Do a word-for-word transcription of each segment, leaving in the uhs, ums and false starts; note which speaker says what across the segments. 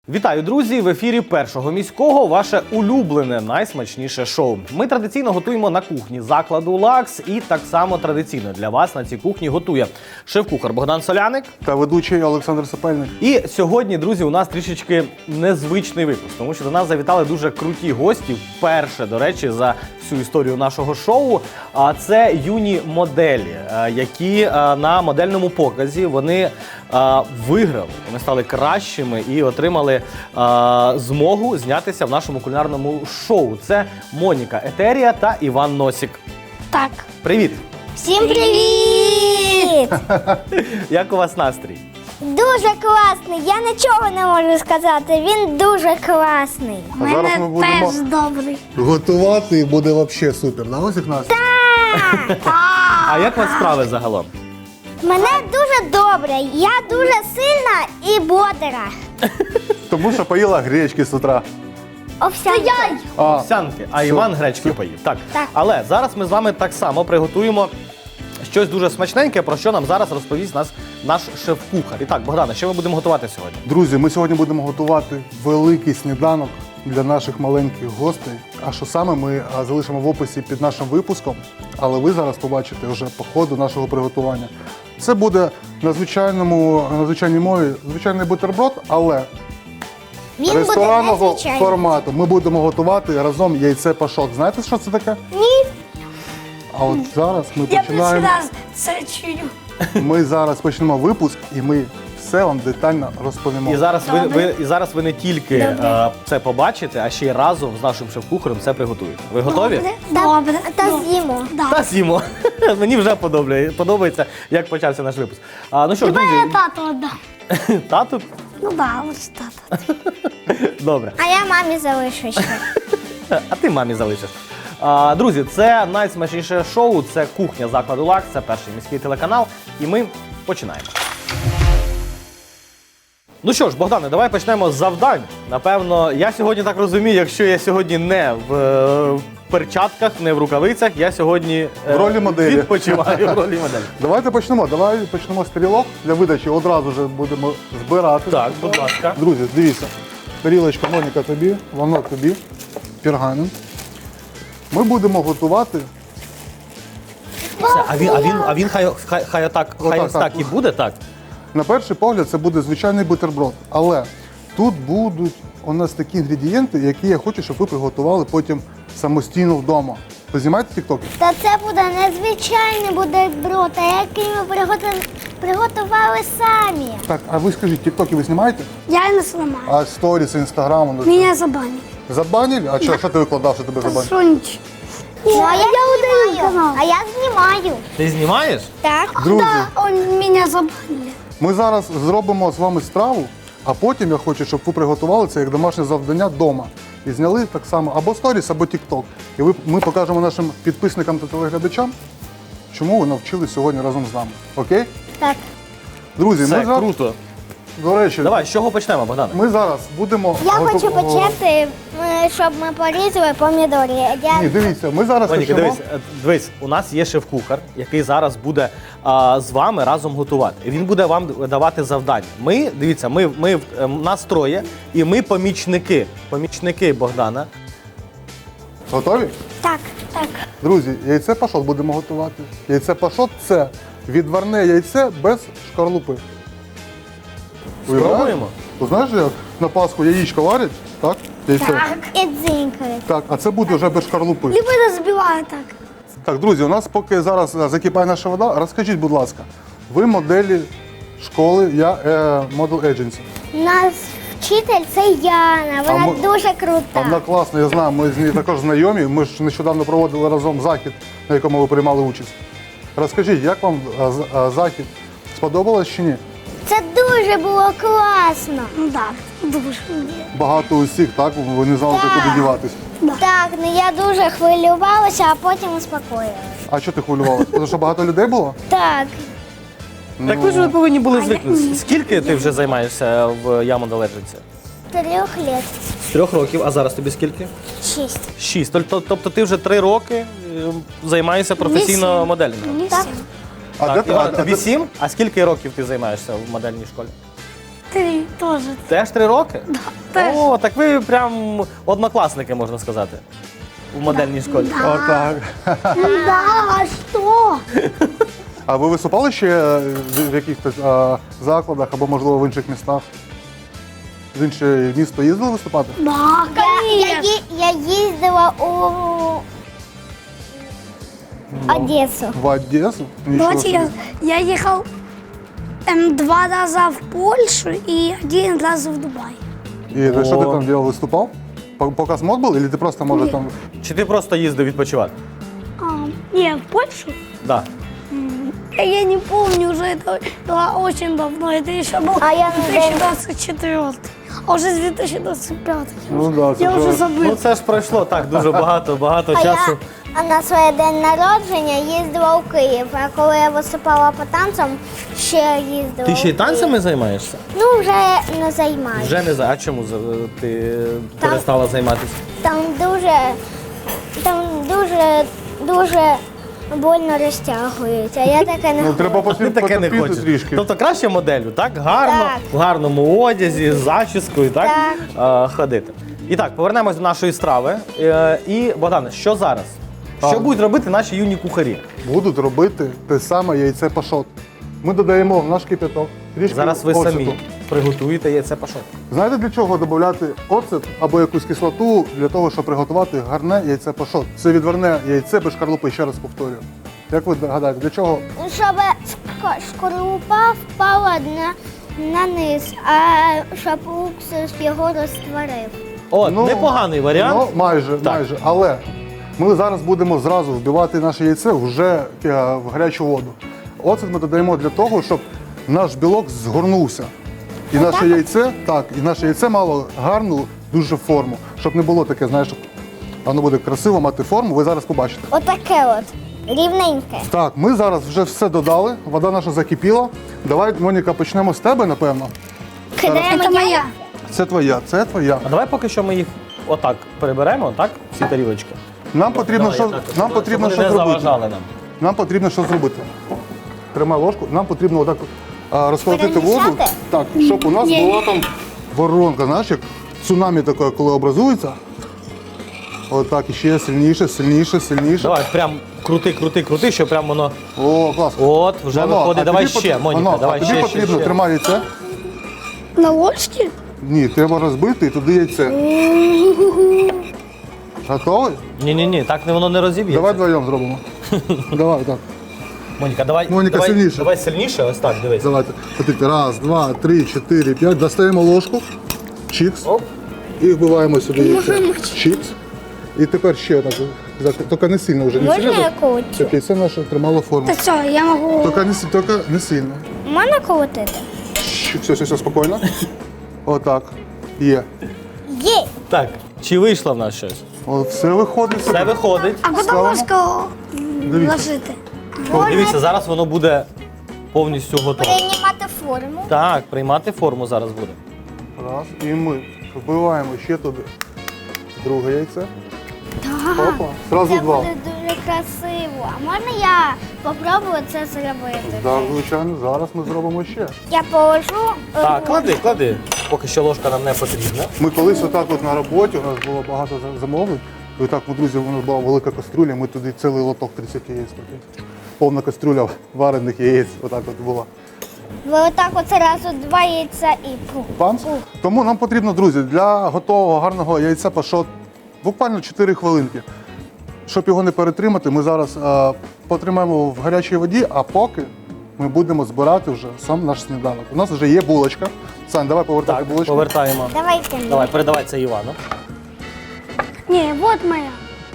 Speaker 1: Вітаю, друзі! В ефірі Першого міського ваше улюблене, найсмачніше шоу. Ми традиційно готуємо на кухні закладу «Лакс» і так само традиційно для вас на цій кухні готує шеф-кухар Богдан Соляник
Speaker 2: та ведучий Олександр Сапельник.
Speaker 1: І сьогодні, друзі, у нас трішечки незвичний випуск, тому що до нас завітали дуже круті гості, вперше, до речі, за всю історію нашого шоу. А це юні моделі, які на модельному показі вони виграли, вони стали кращими і отримали змогу знятися в нашому кулінарному шоу. Це Моніка Етерія та Іван Носік.
Speaker 3: Так.
Speaker 1: Привіт!
Speaker 3: Всім привіт!
Speaker 1: Як у вас настрій?
Speaker 3: Дуже класний. Я нічого не можу сказати. Він дуже класний.
Speaker 2: А зараз ми будемо
Speaker 3: теж добрий.
Speaker 2: готувати і буде взагалі супер. На ось як нас?
Speaker 1: А як у вас справи загалом?
Speaker 3: Мене дуже добре. Я дуже сильна і бодра.
Speaker 2: Тому що поїла гречки з утра.
Speaker 3: Овсянка.
Speaker 2: А,
Speaker 1: Овсянки, а Іван гречки поїв. Так.
Speaker 3: Так.
Speaker 1: Але зараз ми з вами так само приготуємо щось дуже смачненьке, про що нам зараз розповість нас наш шеф-кухар. І так, Богдане, що ми будемо готувати сьогодні?
Speaker 2: друзі, ми сьогодні будемо готувати великий сніданок для наших маленьких гостей. А що саме, ми а, залишимо в описі під нашим випуском, але ви зараз побачите вже по ходу нашого приготування. Це буде на звичайному, на звичайній мові звичайний бутерброд, але
Speaker 3: Він буде
Speaker 2: ресторанного
Speaker 3: незвичайний.
Speaker 2: формату. Ми будемо готувати разом яйце пашот. Знаєте, що це таке?
Speaker 3: Ні.
Speaker 2: А от зараз ми
Speaker 4: Я
Speaker 2: починаємо.
Speaker 4: перший раз це чую.
Speaker 2: Ми зараз почнемо випуск і ми все вам детально розповімо.
Speaker 1: І зараз ви,
Speaker 4: Добре.
Speaker 1: ви, і зараз ви не тільки е, це побачите, а ще й разом з нашим шеф-кухарем це приготуєте. Ви готові?
Speaker 4: Добре.
Speaker 3: Та
Speaker 4: Добре.
Speaker 3: з'їмо.
Speaker 4: Да.
Speaker 1: Та з'їмо. Мені вже подобає, подобається, як почався наш випуск. А, ну що ж,
Speaker 4: Давай я
Speaker 1: друзі,
Speaker 4: тату віддам.
Speaker 1: тату?
Speaker 4: Ну да, ось тата.
Speaker 1: Добре.
Speaker 3: А я мамі залишу ще.
Speaker 1: А ти мамі залишиш. А, друзі, це найсмачніше шоу, це кухня закладу «Лакс», це перший міський телеканал, і ми починаємо. Ну що ж, Богдане, давай почнемо з завдань. Напевно, я сьогодні так розумію, якщо я сьогодні не в, е, в перчатках, не в рукавицях, я сьогодні е,
Speaker 2: В ролі моделі.
Speaker 1: відпочиваю в ролі моделі.
Speaker 2: Давайте почнемо. Давай почнемо з тарілок для видачі. Одразу ж будемо збирати.
Speaker 1: Так, будь ласка.
Speaker 2: Друзі, дивіться. Тарілочка Моніка тобі, воно тобі, пергамент. Ми будемо готувати.
Speaker 1: Все, а він, а він, а він хай, хай, хай отак, хай
Speaker 2: Отак,
Speaker 1: ось так
Speaker 2: так.
Speaker 1: і буде, так?
Speaker 2: На перший погляд це буде звичайний бутерброд. Але тут будуть у нас такі інгредієнти, які я хочу, щоб ви приготували потім самостійно вдома. Ви знімаєте тіктоки?
Speaker 3: Та це буде незвичайний бутерброд, а який ми приготу- приготували самі.
Speaker 2: Так, а ви скажіть, тіктоки ви знімаєте?
Speaker 4: Я не зламаю.
Speaker 2: А сторіс, інстаграм? ну,
Speaker 4: Мене забанять.
Speaker 2: Забанили? А що, що ти викладав, що тебе забанили?
Speaker 4: Сонч.
Speaker 3: Ну, а я
Speaker 4: удалю
Speaker 3: знімаю.
Speaker 4: канал.
Speaker 3: А я знімаю.
Speaker 1: Ти знімаєш?
Speaker 3: Так.
Speaker 2: Друзі,
Speaker 4: Да, он мене забанили.
Speaker 2: ми зараз зробимо з вами страву, а потім я хочу, щоб ви приготували це як домашнє завдання вдома. І зняли так само або сторіс, або тікток. І ви, ми покажемо нашим підписникам та телеглядачам, чому ви навчились сьогодні разом з нами. Окей?
Speaker 3: Так.
Speaker 2: Друзі,
Speaker 1: Це
Speaker 2: ми зараз,
Speaker 1: круто.
Speaker 2: до речі,
Speaker 1: Давай, з чого почнемо, Богдане?
Speaker 2: ми зараз будемо...
Speaker 3: Я
Speaker 2: готу-
Speaker 3: хочу почати, е, щоб ми порізали помідори. Я...
Speaker 2: Ні, дивіться, ми зараз
Speaker 1: Моніка,
Speaker 2: почнемо...
Speaker 1: дивись, е, дивись, у нас є шеф-кухар, який зараз буде а, з вами разом готувати. І він буде вам давати завдання. Ми, дивіться, ми, ми е, нас троє, і ми помічники. Помічники Богдана.
Speaker 2: Готові?
Speaker 3: Так, так.
Speaker 2: Друзі, яйце пашот будемо готувати. Яйце пашот – це відварне яйце без шкарлупи.
Speaker 1: Спробуємо?
Speaker 2: Ти знаєш, як на Пасху яєчко варять? Так? Яйце.
Speaker 4: Так.
Speaker 3: І дзинькають.
Speaker 2: Так, а це буде вже без шкарлупи.
Speaker 4: Либо не збиває так.
Speaker 2: Так, друзі, у нас поки зараз е, закипає наша вода, розкажіть, будь ласка, ви моделі школи, я е, Model Agency.
Speaker 3: У нас вчитель це Яна, вона
Speaker 2: А ми-
Speaker 3: дуже крута.
Speaker 2: Вона класна, я знаю, ми з нею також знайомі. Ми ж нещодавно проводили разом захід, на якому ви приймали участь. Розкажіть, як вам е, з- е, захід? Сподобалось чи ні?
Speaker 3: Це дуже було класно.
Speaker 4: Ну так, дуже.
Speaker 2: Багато усіх, так? Ви не знали,
Speaker 3: Так.
Speaker 2: куди діватись.
Speaker 3: Так, ну я дуже хвилювалася, а потім успокоїлася.
Speaker 2: А що ти хвилювалася? Тому що багато людей було?
Speaker 3: Так,
Speaker 1: Так ви ж ви повинні були звикнути. Скільки ти вже займаєшся в Я Model Agency?
Speaker 3: трьох літ.
Speaker 1: З трьох років, а зараз тобі скільки?
Speaker 3: Шість.
Speaker 1: Шість. Тобто, тобто ти вже три роки е, займаєшся професійно
Speaker 4: Вісім.
Speaker 1: моделінгом?
Speaker 4: Не
Speaker 3: Так.
Speaker 4: всім.
Speaker 2: А
Speaker 1: Так,
Speaker 2: де ти-
Speaker 1: Іван,
Speaker 2: а-
Speaker 1: тобі
Speaker 2: а-
Speaker 1: сім? А скільки років ти займаєшся в модельній школі?
Speaker 4: Три теж.
Speaker 1: Теж три роки?
Speaker 4: теж.
Speaker 1: О, так ви прям однокласники, можна сказати, в модельній школі.
Speaker 2: Отак.
Speaker 4: Да, що?
Speaker 2: А ви виступали ще е, в в якихось е, закладах або, можливо, в інших містах? В інше місто їздили виступати?
Speaker 4: Да,
Speaker 3: Я, я,
Speaker 4: конечно.
Speaker 3: ї- я їздила у Одесу.
Speaker 2: В Одесу? Нічого
Speaker 4: Давайте я,
Speaker 2: собі.
Speaker 4: я ехал эм, два раза в Польшу и один раз в Дубай.
Speaker 2: І ти що ти
Speaker 1: О.
Speaker 2: там робив, виступав? По- Показ мод був, або ти просто, може,
Speaker 4: Ні.
Speaker 2: там...
Speaker 1: Чи ти просто їздив відпочивати?
Speaker 4: А, не, в Польшу?
Speaker 1: Да.
Speaker 4: Я не помню уже, это было очень давно. Это еще был
Speaker 3: А я
Speaker 4: две тысячи двадцать четвёртый. А уже с две тысячи двадцать пятый.
Speaker 2: Ну да, це
Speaker 4: Я
Speaker 2: вже-
Speaker 4: уже
Speaker 1: Ну
Speaker 4: забыл.
Speaker 1: це ж пройшло так дуже багато, багато
Speaker 3: А
Speaker 1: часу.
Speaker 3: я а на своє день народження їздила у Київ. А коли я виступала по танцям, ще їздила.
Speaker 1: Ти ще й
Speaker 3: у Київ.
Speaker 1: танцями займаєшся?
Speaker 3: Ну, вже не займаюся.
Speaker 1: Вже не за. А чому за- ти перестала займатися?
Speaker 3: Там дуже, там дуже, дуже больно розтягують. А я таке не
Speaker 2: Ну,
Speaker 3: хочу.
Speaker 2: треба
Speaker 1: Ти
Speaker 2: посвіт-
Speaker 1: таке не
Speaker 2: потерпіти
Speaker 1: хочеш.
Speaker 2: трішки.
Speaker 1: Тобто краще моделлю, так? Гарно,
Speaker 3: Так.
Speaker 1: в гарному одязі, з зачіскою, так?
Speaker 3: Так.
Speaker 1: Е, ходити. І так, повернемось до нашої страви. Е, і, Богдане, що зараз? Що
Speaker 2: Так.
Speaker 1: будуть робити наші юні кухарі?
Speaker 2: Будуть робити те саме яйце пашот. Ми додаємо в наш кип'яток трішки
Speaker 1: Зараз ви
Speaker 2: оцету.
Speaker 1: самі приготуєте яйце пашот.
Speaker 2: Знаєте, для чого додати оцет або якусь кислоту для того, щоб приготувати гарне яйце пашот? Це відварне яйце без шкарлупи, ще раз повторюю. Як ви гадаєте, для чого?
Speaker 3: Щоб шк- шкарлупа впала на, на низ, а щоб уксус його розтворив.
Speaker 1: От, непоганий варіант.
Speaker 2: Ну, майже,
Speaker 1: Так.
Speaker 2: майже. Але ми зараз будемо зразу вбивати наше яйце вже е, в гарячу воду. Оцет ми додаємо для того, щоб наш білок згорнувся. І наше яйце, так, і наше яйце мало гарну дуже форму, щоб не було таке, знаєш, щоб воно буде красиво мати форму, ви зараз побачите.
Speaker 3: Отаке от. Рівненьке.
Speaker 2: Так, ми зараз вже все додали, вода наша закипіла. Давай, Моніка, почнемо з тебе, напевно.
Speaker 3: Кидаємо
Speaker 4: Это моя.
Speaker 2: Це твоя, це твоя.
Speaker 1: А давай поки що ми їх отак переберемо, так? Ці тарілочки.
Speaker 2: Нам потрібно,
Speaker 1: Давай,
Speaker 2: що,
Speaker 1: я так,
Speaker 2: нам
Speaker 1: щоб
Speaker 2: потрібно
Speaker 1: вони
Speaker 2: що
Speaker 1: не
Speaker 2: зробити.
Speaker 1: заважали нам.
Speaker 2: Нам потрібно що зробити. Тримай ложку. Нам потрібно отак а, розколотити воду,
Speaker 3: Перемішати?
Speaker 2: так, щоб у нас
Speaker 4: Ні.
Speaker 2: була там воронка, знаєш, як цунамі таке, коли образується. Отак, і ще сильніше, сильніше, сильніше.
Speaker 1: Давай, прям крути, крути, крути, щоб прям воно.
Speaker 2: О, клас.
Speaker 1: От, вже
Speaker 2: Воно,
Speaker 1: виходить.
Speaker 2: а
Speaker 1: Давай
Speaker 2: тобі
Speaker 1: ще,
Speaker 2: пот-
Speaker 1: Моніка,
Speaker 2: воно,
Speaker 1: давай
Speaker 2: а тобі
Speaker 1: ще,
Speaker 2: потрібно,
Speaker 1: ще, ще.
Speaker 2: тримай яйце.
Speaker 4: На ложке?
Speaker 2: Ні, треба розбити і туди яйце. Готовий?
Speaker 1: Ні-ні-ні, так не воно не розіб'ється.
Speaker 2: Давай вдвоєм зробимо. Давай, так.
Speaker 1: Моніка, давай,
Speaker 2: Моніка,
Speaker 1: давай,
Speaker 2: сильніше.
Speaker 1: давай сильніше, ось так, дивись.
Speaker 2: Давайте. Смотрите, раз, два, три, чотири, п'ять. Достаємо ложку. Чікс.
Speaker 1: Оп.
Speaker 2: І вбиваємо сюди яйце. Чікс. І тепер ще так. так, Тільки не сильно вже. Не
Speaker 3: Можна
Speaker 2: сильно,
Speaker 3: я колотю?
Speaker 2: щоб яйце наше тримало форму.
Speaker 4: Да все, я могу.
Speaker 2: Тільки не, сі- тільки не сильно.
Speaker 3: Можна колотити?
Speaker 2: Щ, Все, все, все, спокійно. Отак. Є.
Speaker 3: Є.
Speaker 1: Так, чи вийшло в нас щось?
Speaker 2: О, все виходить.
Speaker 1: Все виходить.
Speaker 4: А куда
Speaker 2: Ставимо.
Speaker 4: ложку
Speaker 2: Дивіться.
Speaker 4: ложити?
Speaker 1: Дивіться, зараз воно буде повністю готове.
Speaker 3: Приймати форму.
Speaker 1: Так, приймати форму зараз буде.
Speaker 2: Раз. І ми вбиваємо ще туди друге яйце. Опа. Зразу
Speaker 3: Це
Speaker 2: два.
Speaker 3: буде дуже красиво. А можна я попробую це зробити?
Speaker 2: Так, звичайно, зараз ми зробимо ще.
Speaker 3: Я положу. е,
Speaker 1: Так, клади, клади. Поки що ложка нам не потрібна.
Speaker 2: Ми колись отак от на роботі, у нас було багато за- замовлень. І отак, ми, друзі, у нас була велика кастрюля, ми туди цілий лоток тридцять яєць. такий. Повна кастрюля варених яєць, отак от була.
Speaker 3: Ви отак от зразу два яйця і пух.
Speaker 2: Панц. Тому нам потрібно, друзі, для готового гарного яйця пашот буквально чотири хвилинки. Щоб його не перетримати, ми зараз е, потримаємо в гарячій воді, а поки ми будемо збирати вже сам наш сніданок. У нас вже є булочка. Сань, давай повертати
Speaker 1: Так,
Speaker 2: булочку.
Speaker 1: повертаємо.
Speaker 3: Давайте.
Speaker 1: Давай, передавай це Івану.
Speaker 4: Не, вот моя.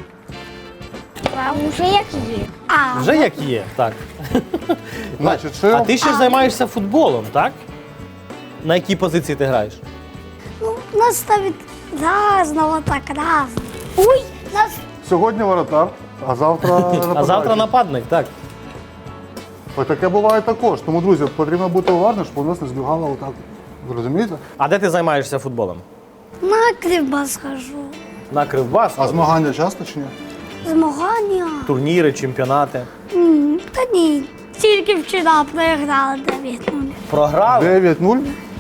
Speaker 3: А вже як є.
Speaker 4: А,
Speaker 1: Вже як є, так.
Speaker 2: Значить, ще
Speaker 1: А ти ще ж займаєшся футболом, так? На якій позиції ти граєш?
Speaker 4: ну, нас ставит разного так, разного. Ой, нас
Speaker 2: сьогодні воротар, а завтра
Speaker 1: А
Speaker 2: нападаючий.
Speaker 1: завтра нападник, так.
Speaker 2: Ось таке буває також. Тому, друзі, потрібно бути уважним, щоб у нас не збігало отак. Ви розумієте?
Speaker 1: А де ти займаєшся футболом?
Speaker 4: на Кривбас хожу.
Speaker 1: На Кривбас?
Speaker 2: А змагання часто чи ні?
Speaker 4: Змагання.
Speaker 1: Турніри, чемпіонати.
Speaker 4: М, Та ні, тільки вчора програли дев'ять нуль.
Speaker 1: Програли?
Speaker 2: дев'ять нуль.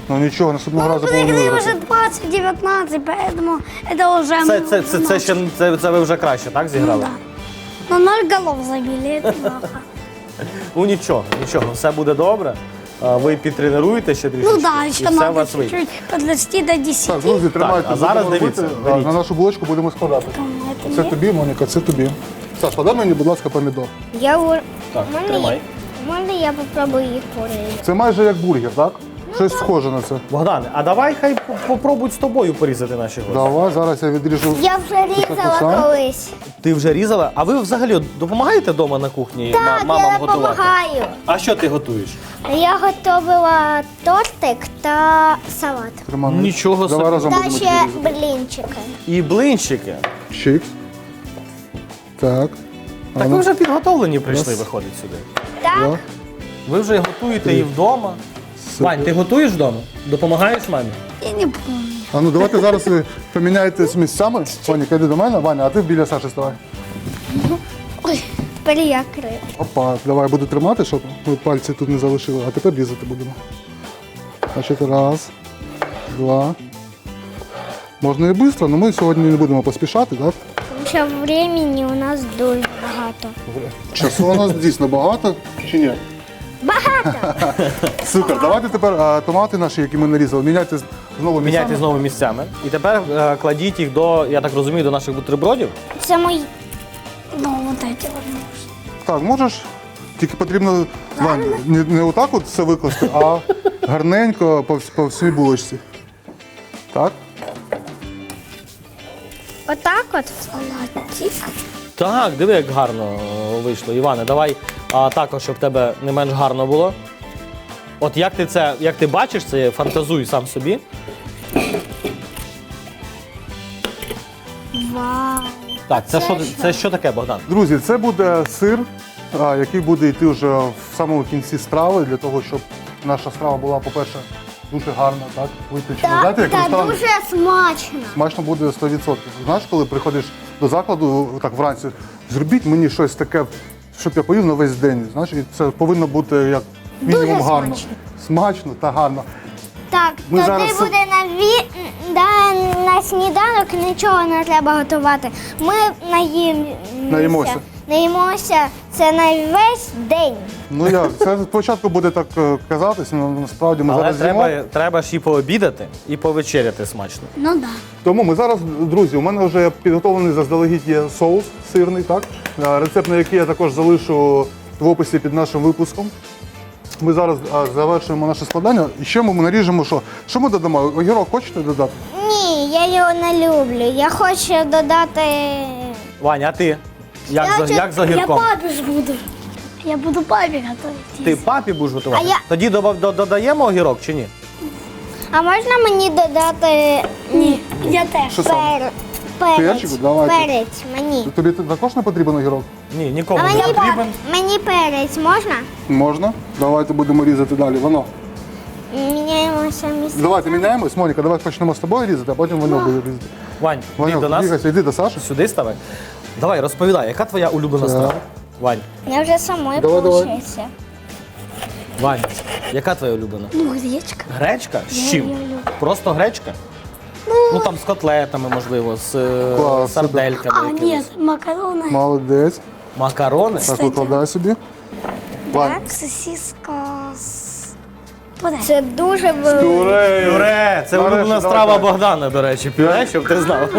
Speaker 2: Ну нічого, наступного разу повинні
Speaker 4: Выиграли
Speaker 2: виграти.
Speaker 4: уже двадцать девятнадцать, поэтому это уже...
Speaker 1: Це, це, це, це, ще, це, це ви вже краще, так, зіграли?
Speaker 4: Ну, ноль голов забили, это плохо.
Speaker 1: Ну нічого, нічого, все буде добре. А, Ви підтренуєте ще трішки,
Speaker 4: Ну да,
Speaker 1: і
Speaker 4: еще
Speaker 1: все у
Speaker 4: надо
Speaker 1: вас вийде.
Speaker 4: чуть-чуть подрасти до десяти.
Speaker 2: Так, друзі, тримайте.
Speaker 1: а зараз
Speaker 2: будемо
Speaker 1: дивіться,
Speaker 2: робити.
Speaker 1: беріть.
Speaker 2: На нашу булочку будемо складати.
Speaker 4: Это
Speaker 2: Це
Speaker 4: мне.
Speaker 2: тобі, Моніка, це тобі. Саш, подай мені, будь ласка, помідор.
Speaker 3: Я у-
Speaker 1: Так,
Speaker 3: Можна
Speaker 1: тримай.
Speaker 3: я- Можна я попробую їх порізати?
Speaker 2: Це майже як бургер, так? Щось схоже на це.
Speaker 1: Богдане, а давай хай по- попробують з тобою порізати наші гості.
Speaker 2: Давай, зараз я відріжу.
Speaker 3: Я вже різала
Speaker 2: сам?
Speaker 3: колись.
Speaker 1: Ти вже різала? А ви взагалі допомагаєте вдома на кухні ма-
Speaker 3: Так,
Speaker 1: мамам
Speaker 3: я
Speaker 1: готувати?
Speaker 3: допомагаю.
Speaker 1: А що ти готуєш?
Speaker 3: Я готувала тортик та салат.
Speaker 2: Тримай.
Speaker 1: Нічого
Speaker 2: Давай
Speaker 1: собі.
Speaker 2: разом
Speaker 3: Та
Speaker 2: будемо
Speaker 3: ще
Speaker 2: різати.
Speaker 3: блінчики.
Speaker 1: І блинчики.
Speaker 2: Чик. Так.
Speaker 1: Так
Speaker 2: А ну,
Speaker 1: ви вже підготовлені прийшли,
Speaker 2: Раз.
Speaker 1: виходить сюди.
Speaker 3: Так,
Speaker 2: два.
Speaker 1: Ви вже готуєте і вдома. Вань, ти готуєш вдома? Допомагаєш мамі?
Speaker 4: Я не помню.
Speaker 2: А ну давайте зараз ви поміняєтесь місцями. Ваня, йди до мене, Ваня, а ти біля Саші ставай.
Speaker 4: Ой,
Speaker 3: тепер я крив.
Speaker 2: Опа, давай я буду тримати, щоб ви пальці тут не залишили, а тепер різати будемо. Значить, раз, два. Можна і швидко, але ми сьогодні не будемо поспішати, так?
Speaker 3: Тому що времени у нас дуже багато.
Speaker 2: Часу у нас дійсно багато, чи ні?
Speaker 3: Багато!
Speaker 2: Супер, давайте тепер а, томати наші, які ми нарізали, міняйте з- знову
Speaker 1: Міняйте
Speaker 2: місцями.
Speaker 1: знову місцями. І тепер е, кладіть їх до, я так розумію, до наших бутербродів.
Speaker 3: Це мої.
Speaker 4: ну вот эти вот.
Speaker 2: Так, можеш, тільки потрібно Вань, не, не отак от все викласти, а гарненько по, вс- по всій булочці. Так?
Speaker 3: Отак от.
Speaker 4: Салатик.
Speaker 1: Так, диви, як гарно е, вийшло. Іване, давай а, також, щоб в тебе не менш гарно було. От як ти це, як ти бачиш, це фантазуй сам собі.
Speaker 3: Вау!
Speaker 1: Так, це,
Speaker 3: це
Speaker 1: що,
Speaker 3: що?
Speaker 1: це що таке, Богдан?
Speaker 2: Друзі, це буде сир, а, який буде йти вже в самому кінці страви, для того, щоб наша страва була, по-перше, дуже гарна, так? Виточена.
Speaker 3: Та,
Speaker 2: Знаєте, як в
Speaker 3: та
Speaker 2: ресторані?
Speaker 3: дуже смачно.
Speaker 2: Смачно буде сто відсотків. Знаєш, коли приходиш до закладу так вранці, зробіть мені щось таке, щоб я поїв на весь день. Знаєш, і це повинно бути як мінімум
Speaker 3: Дуже
Speaker 2: гарно.
Speaker 3: смачно.
Speaker 2: Смачно та гарно.
Speaker 3: Так,
Speaker 2: Ми
Speaker 3: тоді
Speaker 2: зараз-
Speaker 3: буде на, ві... да, на сніданок нічого не треба готувати. Ми наїмося.
Speaker 2: Наїмося.
Speaker 3: Наїмося. Це на весь день.
Speaker 2: Ну як, це спочатку буде так е, казатись, але насправді ми
Speaker 1: Але
Speaker 2: зараз
Speaker 1: треба,
Speaker 2: з'їмо.
Speaker 1: треба ж і пообідати, і повечеряти смачно.
Speaker 4: Ну да.
Speaker 2: Тому ми зараз, друзі, у мене вже підготовлений заздалегідь є соус сирний, так? Е, Рецепт, на який я також залишу в описі під нашим випуском. Ми зараз а, завершуємо наше складання. І ще ми наріжемо, що? Що ми додамо? Огірок хочете додати?
Speaker 3: Ні, я його не люблю. Я хочу додати.
Speaker 1: Ваня, а ти? Як,
Speaker 3: Я
Speaker 1: за,
Speaker 3: чу-
Speaker 1: як за
Speaker 4: Я
Speaker 1: гірком?
Speaker 4: папе ж буду. Я буду папе готовить.
Speaker 1: Ти папі будеш готувати?
Speaker 3: А я-
Speaker 1: Тоді добав- до- додаємо огірок чи ні?
Speaker 3: А можна мені додати
Speaker 4: Ні, я теж.
Speaker 2: Що саме?
Speaker 3: пер... перець?
Speaker 2: Перчику? Давайте.
Speaker 3: Перець мені.
Speaker 2: Тобі також не потрібен огірок?
Speaker 1: Ні, нікому
Speaker 3: А
Speaker 1: не
Speaker 3: мені,
Speaker 1: потрібен.
Speaker 3: мені перець можна?
Speaker 2: Можна. Давайте будемо різати далі. Воно.
Speaker 3: Міняємося місця.
Speaker 2: Давайте міняємось. Моніка, давай почнемо з тобою різати, а потім воно буде різати.
Speaker 1: Вань, йди
Speaker 2: Ванюк,
Speaker 1: до нас.
Speaker 2: бігайся, йди до Саші.
Speaker 1: Сюди ставай. Давай, розповідай, яка твоя улюблена
Speaker 2: Так.
Speaker 1: страва? Вань,
Speaker 3: Я вже самою
Speaker 2: Давай, давай.
Speaker 3: получився.
Speaker 1: Вань, яка твоя улюблена?
Speaker 4: Ну, гречка.
Speaker 1: Гречка? З
Speaker 4: Я
Speaker 1: чим?
Speaker 4: її люблю.
Speaker 1: Просто гречка? Ну там з котлетами, можливо, з е,
Speaker 2: Клас,
Speaker 1: сардельками.
Speaker 4: А,
Speaker 1: якимись.
Speaker 4: нет, макароны.
Speaker 2: Молодець.
Speaker 1: Макарони?
Speaker 2: Так, викладай собі. Вань.
Speaker 4: Сосиска с... Подай.
Speaker 3: Це дуже велике.
Speaker 2: Пюре.
Speaker 1: Пюре! Це
Speaker 2: Нарешті,
Speaker 1: улюблена
Speaker 2: давай,
Speaker 1: страва
Speaker 2: давай.
Speaker 1: Богдана, до речі. Пюре, щоб ти знав.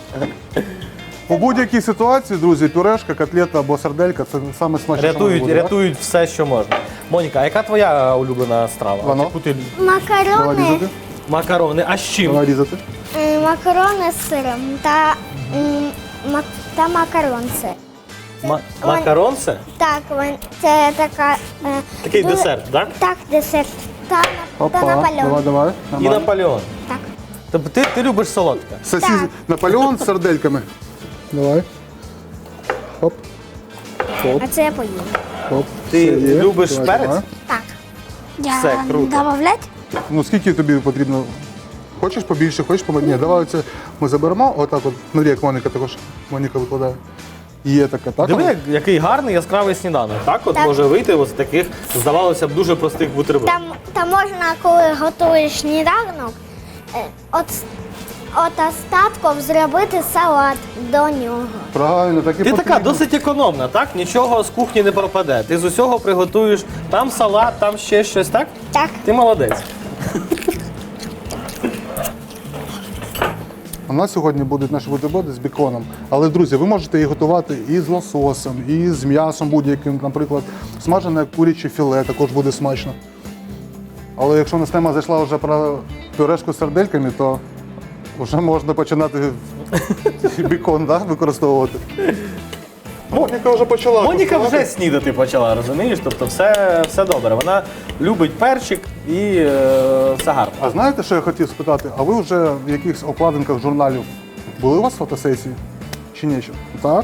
Speaker 2: У будь-якій ситуації, друзі, пюрешка, котлета або сарделька це саме смачніше. що може
Speaker 1: Рятують,
Speaker 2: бути, так?
Speaker 1: рятують все, що можна. Моніка, а яка твоя улюблена страва?
Speaker 2: Воно.
Speaker 1: Яку ти-
Speaker 2: Давай
Speaker 3: Макарони,
Speaker 2: різати.
Speaker 1: Макарони. А з чим?
Speaker 2: Давай різати.
Speaker 3: е, макарони з сиром та, м, мак- та макаронце.
Speaker 1: Ма-
Speaker 3: Вон-
Speaker 1: Макарон це?
Speaker 3: Так, вон- це така. е,
Speaker 1: Такий
Speaker 3: дуже-
Speaker 1: десерт, так?
Speaker 3: Так, десерт. Та, на- та
Speaker 2: Опа,
Speaker 3: Наполеон.
Speaker 2: давай, давай.
Speaker 1: І
Speaker 2: Нормально.
Speaker 1: Наполеон.
Speaker 3: Так.
Speaker 1: Тобто ти, ти любиш солодке.
Speaker 2: Сосіс...
Speaker 3: Так.
Speaker 2: Наполеон з сардельками. Давай. Хоп. Хоп,
Speaker 3: А це я поїм.
Speaker 2: хоп.
Speaker 1: Ти
Speaker 2: Все є.
Speaker 1: любиш
Speaker 2: Давай,
Speaker 1: перець?
Speaker 2: давай.
Speaker 3: Так.
Speaker 4: Я
Speaker 1: Все, круто.
Speaker 4: добавлять?
Speaker 2: Ну скільки тобі потрібно? Хочеш побільше, хочеш поменше? Ні, давай це ми заберемо. Отак от. Смотри, як Моніка також. Моніка викладає. Є таке, так?
Speaker 1: Диви, як, який гарний яскравий сніданок. Так от
Speaker 3: Так.
Speaker 1: може вийти ось з таких, здавалося б, дуже простих бутербродів.
Speaker 3: Там, там можна, коли готуєш сніданок, е, от, от остатком зробити салат до нього.
Speaker 2: Правильно, так і
Speaker 1: Ти така
Speaker 2: потрібно.
Speaker 1: досить економна, так? Нічого з кухні не пропаде. Ти з усього приготуєш там салат, там ще щось, так?
Speaker 3: Так.
Speaker 1: Ти молодець.
Speaker 2: У нас сьогодні будуть наші бутерброди з беконом. Але, друзі, ви можете їх готувати і з лососем, і з м'ясом будь-яким, наприклад, смажене куряче філе також буде смачно. Але якщо у нас тема зайшла вже про пюрешку з сардельками, то вже можна починати бекон, да, використовувати. Моніка вже почала.
Speaker 1: Моніка
Speaker 2: куштувати.
Speaker 1: вже снідати почала, розумієш? Тобто все, все добре. Вона любить перчик і е, все гарно.
Speaker 2: А знаєте, що я хотів спитати? А ви вже в якихось обкладинках журналів були у вас фотосесії? Чи ні? ще? Так?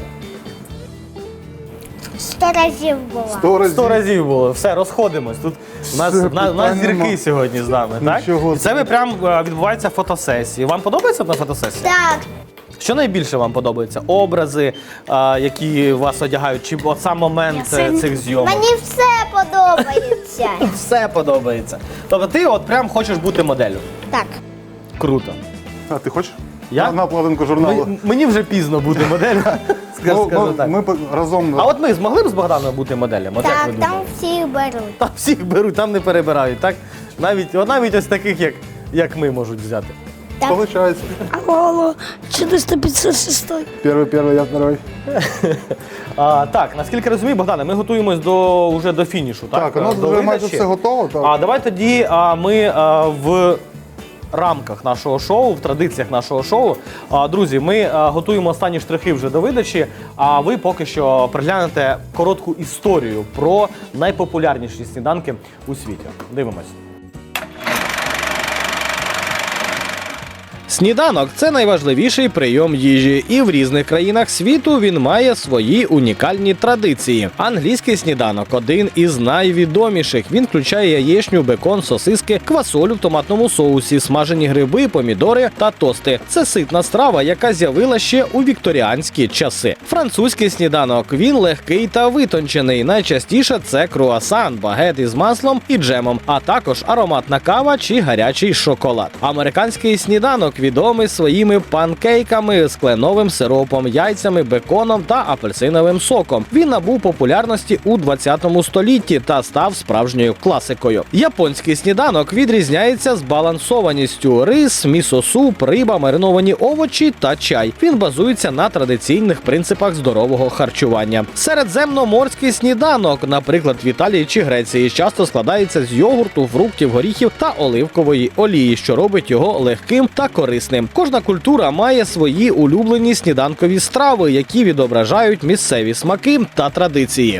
Speaker 3: Сто разів була.
Speaker 2: Сто разів.
Speaker 1: Сто разів було. Все, розходимось. Тут у нас,
Speaker 2: Все,
Speaker 1: у нас, у нас
Speaker 2: питань
Speaker 1: зірки
Speaker 2: нема.
Speaker 1: сьогодні з нами, так?
Speaker 2: Нічого
Speaker 1: І це ви прям е, відбуваються фотосесії. Вам подобається на фотосесії?
Speaker 3: Так,
Speaker 1: Що найбільше вам подобається? Образи, е, які вас одягають, чи от сам момент
Speaker 4: Я
Speaker 1: е,
Speaker 4: сильно-
Speaker 1: цих зйомок?
Speaker 3: мені все подобається.
Speaker 1: Все подобається. Тобто ти от прям хочеш бути моделлю.
Speaker 3: Так.
Speaker 1: Круто.
Speaker 2: А ти хочеш?
Speaker 1: Я?
Speaker 2: На, на обкладинку журналу.
Speaker 1: Мені, мені вже пізно бути моделлю. Скажу,
Speaker 2: Ну,
Speaker 1: скажу
Speaker 2: ну,
Speaker 1: так.
Speaker 2: ми по- разом.
Speaker 1: А от ми змогли б з Богданом бути моделями? От як
Speaker 3: Так,
Speaker 1: ви
Speaker 3: там
Speaker 1: думаєте?
Speaker 3: всі беруть.
Speaker 1: Там всіх беруть, там не перебирають, так? Навіть, от навіть ось таких, як, як ми, можуть взяти.
Speaker 3: Так.
Speaker 2: Получається.
Speaker 4: Алло, алло, четыреста пятьдесят шесть.
Speaker 2: Перший, перший, я второй.
Speaker 1: А, так, наскільки розумію, Богдане, ми готуємось до, вже до фінішу, так?
Speaker 2: Так, у нас
Speaker 1: До
Speaker 2: вже майже
Speaker 1: видачі.
Speaker 2: все готово. Так.
Speaker 1: А давай тоді а, ми а, в рамках нашого шоу, в традиціях нашого шоу. А, друзі, ми а, готуємо останні штрихи вже до видачі, а ви поки що приглянете коротку історію про найпопулярніші сніданки у світі. Дивимось. Сніданок – це найважливіший прийом їжі, і в різних країнах світу він має свої унікальні традиції. Англійський сніданок – один із найвідоміших. Він включає яєчню, бекон, сосиски, квасолю в томатному соусі, смажені гриби, помідори та тости. Це ситна страва, яка з'явилася ще у вікторіанські часи. Французький сніданок – він легкий та витончений. Найчастіше це круасан, багет із маслом і джемом, а також ароматна кава чи гарячий шоколад. Американський сніданок відомий своїми панкейками з кленовим сиропом, яйцями, беконом та апельсиновим соком. Він набув популярності у двадцятому столітті та став справжньою класикою. Японський сніданок відрізняється збалансованістю: рис, місо-суп, риба, мариновані овочі та чай. Він базується на традиційних принципах здорового харчування. Середземноморський сніданок, наприклад, в Італії чи Греції, часто складається з йогурту, фруктів, горіхів та оливкової олії, що робить його легким та корисним. Кожна культура має свої улюблені сніданкові страви, які відображають місцеві смаки та традиції.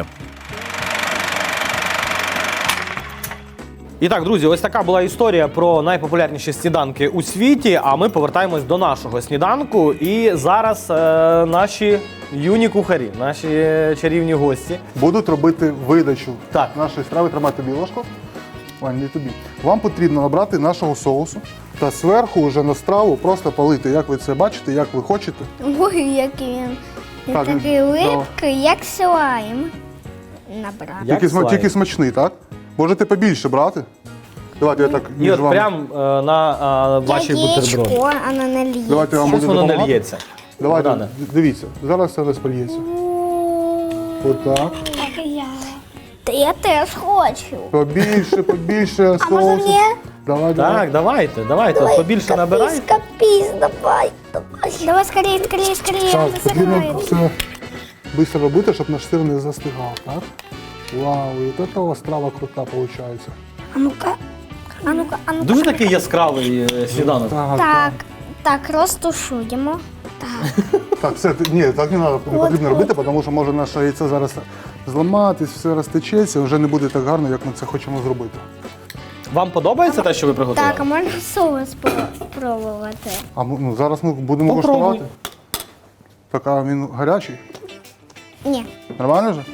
Speaker 1: І так, друзі, ось така була історія про найпопулярніші сніданки у світі. А ми повертаємось до нашого сніданку. І зараз е, наші юні кухарі, наші чарівні гості.
Speaker 2: Будуть робити видачу
Speaker 1: Так.
Speaker 2: нашої страви. Тримай тобі ложку. Вань, не тобі. Вам потрібно набрати нашого соусу та зверху вже на страву просто полити, як ви це бачите, як ви хочете.
Speaker 3: Ой, який він. Він
Speaker 2: Так,
Speaker 3: такий
Speaker 2: да.
Speaker 3: липкий, як слайм. Набрав.
Speaker 1: Як
Speaker 2: Тільки, сма-
Speaker 1: слайм.
Speaker 2: тільки смачний, так? Можете побільше брати. Давайте я так
Speaker 1: І
Speaker 2: між
Speaker 1: от
Speaker 2: вами.
Speaker 1: прям е, на е, ваші бутерброди.
Speaker 3: Яєчко, а не наліється.
Speaker 2: Давайте я вам
Speaker 1: Щось
Speaker 2: буду
Speaker 1: воно не
Speaker 2: допомагати.
Speaker 1: л'ється.
Speaker 2: Давайте,
Speaker 1: Богдане.
Speaker 2: дивіться, зараз все розпольється. Отак.
Speaker 4: Так и я.
Speaker 3: Та я теж хочу.
Speaker 2: Побільше, побільше
Speaker 3: А
Speaker 2: соусу.
Speaker 3: може мені?
Speaker 2: Давай, давай.
Speaker 1: Так, давайте, давайте, от побільше набирайте.
Speaker 3: Капіс, давай, давай. Давай скорее, скорее, скорее,
Speaker 2: Так,
Speaker 3: не
Speaker 2: потрібно
Speaker 3: засихай.
Speaker 2: все швидко робити, щоб наш сир не застигав, так? Вау, і от ця страва крута виходить.
Speaker 4: А ну-ка.
Speaker 3: А ну-ка, а ну-ка.
Speaker 1: Дуже такий яскравий е, сніданок.
Speaker 2: Так,
Speaker 3: Так, так, розтушуємо.
Speaker 2: так, все, ти- ні, так не, надо, не
Speaker 3: От,
Speaker 2: потрібно
Speaker 3: от.
Speaker 2: робити, тому що може наше яйце зараз зламатись, все розтечеться, вже не буде так гарно, як ми це хочемо зробити.
Speaker 1: Вам подобається те, що ви приготували?
Speaker 3: Так, а можна соус спробувати?
Speaker 2: А ми- ну, зараз ми будемо
Speaker 1: Попробуй.
Speaker 2: коштувати. Так, а він гарячий?
Speaker 3: Ні,
Speaker 2: Нормально вже?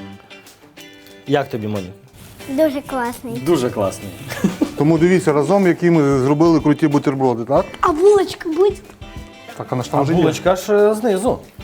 Speaker 1: Як тобі, Моні?
Speaker 3: дуже класний.
Speaker 1: Дуже класний.
Speaker 2: Тому дивіться, разом, які ми зробили круті бутерброди, так?
Speaker 4: А булочка будет?
Speaker 2: Так, а на
Speaker 1: А
Speaker 2: що вже є?
Speaker 1: булочка ж е, знизу.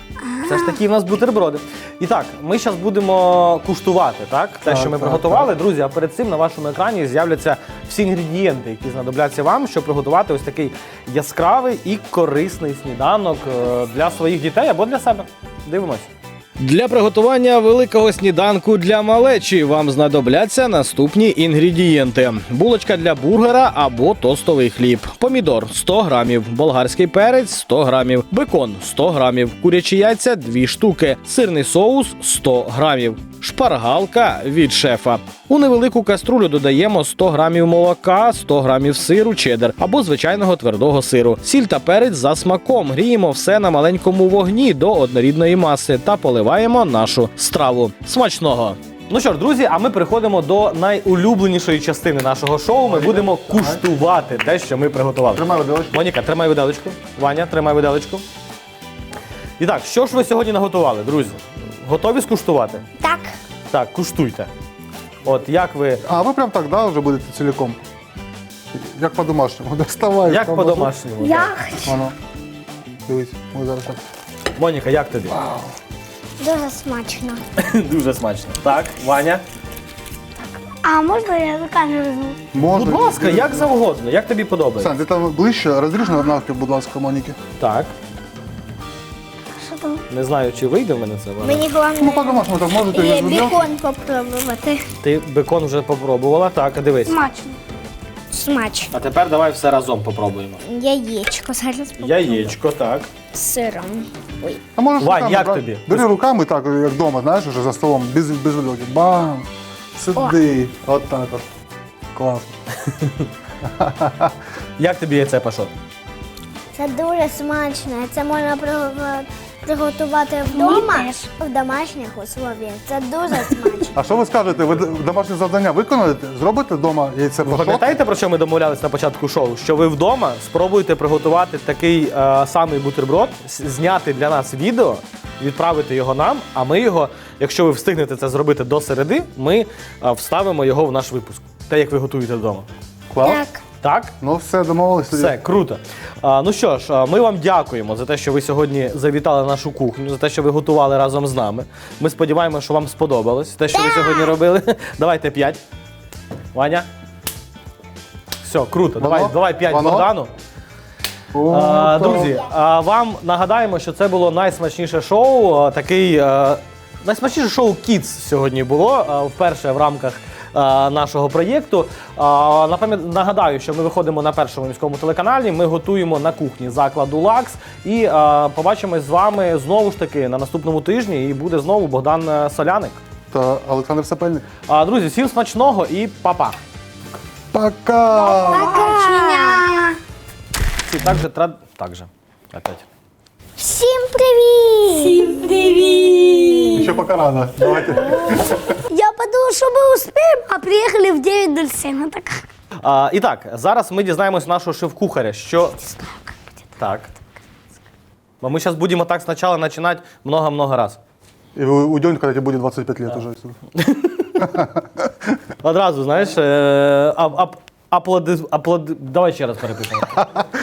Speaker 1: Все ж таки в нас бутерброди. І так, ми зараз будемо куштувати, так? Те,
Speaker 2: Так,
Speaker 1: що ми
Speaker 2: так,
Speaker 1: приготували. Друзі, а перед цим на вашому екрані з'являться всі інгредієнти, які знадобляться вам, щоб приготувати ось такий яскравий і корисний сніданок е, для своїх дітей або для себе. Дивимось. Для приготування великого сніданку для малечі вам знадобляться наступні інгредієнти: булочка для бургера або тостовий хліб, помідор сто грамів, болгарський перець сто грамів, бекон сто грамів, курячі яйця дві штуки, сирний соус сто грамів, шпаргалка від шефа. У невелику каструлю додаємо сто грамів молока, сто грамів сиру чеддер або звичайного твердого сиру, сіль та перець за смаком. Гріємо все на маленькому вогні до однорідної маси та поливаємо нашу страву. Смачного! Ну що ж, друзі, а ми переходимо до найулюбленішої частини нашого шоу. Ми будемо куштувати те, що ми приготували.
Speaker 2: Тримай виделочку.
Speaker 1: Моніка, тримай виделочку. Ваня, тримай виделочку. І так, що ж ви сьогодні наготували, друзі? Готові скуштувати?
Speaker 3: Так.
Speaker 1: Так, куштуйте. От як ви,
Speaker 2: А ви прям так, да, вже будете цілком? Як по-домашньому. Доставай.
Speaker 1: як
Speaker 2: там,
Speaker 1: по-домашньому?
Speaker 4: Я
Speaker 1: так?
Speaker 4: хочу.
Speaker 2: Воно. Дивись, ми зараз так.
Speaker 1: Моніка, як тобі?
Speaker 3: Дуже смачно.
Speaker 1: Дуже смачно. Так, Ваня?
Speaker 4: А можна я руками візьму?
Speaker 2: Можна.
Speaker 1: Будь ласка, як завгодно, як тобі подобається?
Speaker 2: Сань, ти там ближче, розріж на навпіл, будь ласка, Моніки.
Speaker 1: Так,
Speaker 4: Що там?
Speaker 1: не знаю, чи вийде в мене це. Ваня.
Speaker 3: Мені
Speaker 2: Ну,
Speaker 3: головне
Speaker 2: по-домашньому так можете
Speaker 3: і
Speaker 2: без виделки.
Speaker 3: бекон попробувати.
Speaker 1: Ти бекон вже попробувала, так, а дивись.
Speaker 4: Смачно.
Speaker 3: Смачно.
Speaker 1: А тепер давай все разом попробуємо.
Speaker 3: Яєчко зараз попробую.
Speaker 1: Яєчко, так.
Speaker 3: З сиром. Ой.
Speaker 2: А можеш
Speaker 1: Вань,
Speaker 2: руками,
Speaker 1: як
Speaker 2: брат,
Speaker 1: тобі?
Speaker 2: Бери руками так, як вдома, знаєш, уже за столом, без, без виделки. Бам! Сиди. От так от. Клас.
Speaker 1: Як тобі яйце пашот?
Speaker 3: Це дуже смачно. Це можна приго- приготувати вдома
Speaker 4: теж.
Speaker 3: в домашніх условіях. Це дуже смачно.
Speaker 2: А що ви скажете? Ви домашнє завдання виконаєте? Зробите вдома яйце
Speaker 1: Ви
Speaker 2: пашот?
Speaker 1: пам'ятаєте, про що ми домовлялись на початку шоу? Що ви вдома спробуєте приготувати такий е, самий бутерброд, с- зняти для нас відео, відправити його нам, а ми його, якщо ви встигнете це зробити до середи, ми е, вставимо його в наш випуск. Те, як ви готуєте вдома.
Speaker 2: Клас.
Speaker 3: Так.
Speaker 1: Так?
Speaker 2: Ну все, домовились тоді.
Speaker 1: Все, круто. А, ну що ж, а, ми вам дякуємо за те, що ви сьогодні завітали на нашу кухню, за те, що ви готували разом з нами. Ми сподіваємося, що вам сподобалось те, що ви сьогодні робили. Давайте п'ять. Ваня. Все, круто. Давай,
Speaker 2: Воно?
Speaker 1: давай п'ять
Speaker 2: Воно?
Speaker 1: Богдану.
Speaker 2: О,
Speaker 1: А,
Speaker 2: так.
Speaker 1: друзі, а, вам нагадаємо, що це було найсмачніше шоу. а, Такий а, найсмачніше шоу Kids сьогодні було а, вперше в рамках а, нашого проєкту. А, напам'ят- Нагадаю, що ми виходимо на першому міському телеканалі. Ми готуємо на кухні закладу Лакс. І а, побачимось з вами знову ж таки на наступному тижні. І буде знову Богдан е, Соляник.
Speaker 2: Та Олександр Сапельник.
Speaker 1: А, друзі, всім смачного і па-па.
Speaker 2: Пока!
Speaker 4: Бачення.
Speaker 1: І так же, тра... так же. Опять.
Speaker 3: Всім привіт!
Speaker 2: Ще пока рано. Давайте.
Speaker 4: Я подумала, що ми успіємо, а приїхали в дев'ять нуль сім. Так.
Speaker 1: А, і так, зараз ми дізнаємось нашого шеф-кухаря, що... Так. Но мы сейчас будем так сначала начинать много-много раз.
Speaker 2: И вы уйдете, когда тебе будет двадцать пять лет уже.
Speaker 1: Одразу, знаєш, е, ап, ап, аплоди, аплоди... Давай ще раз перепишемо.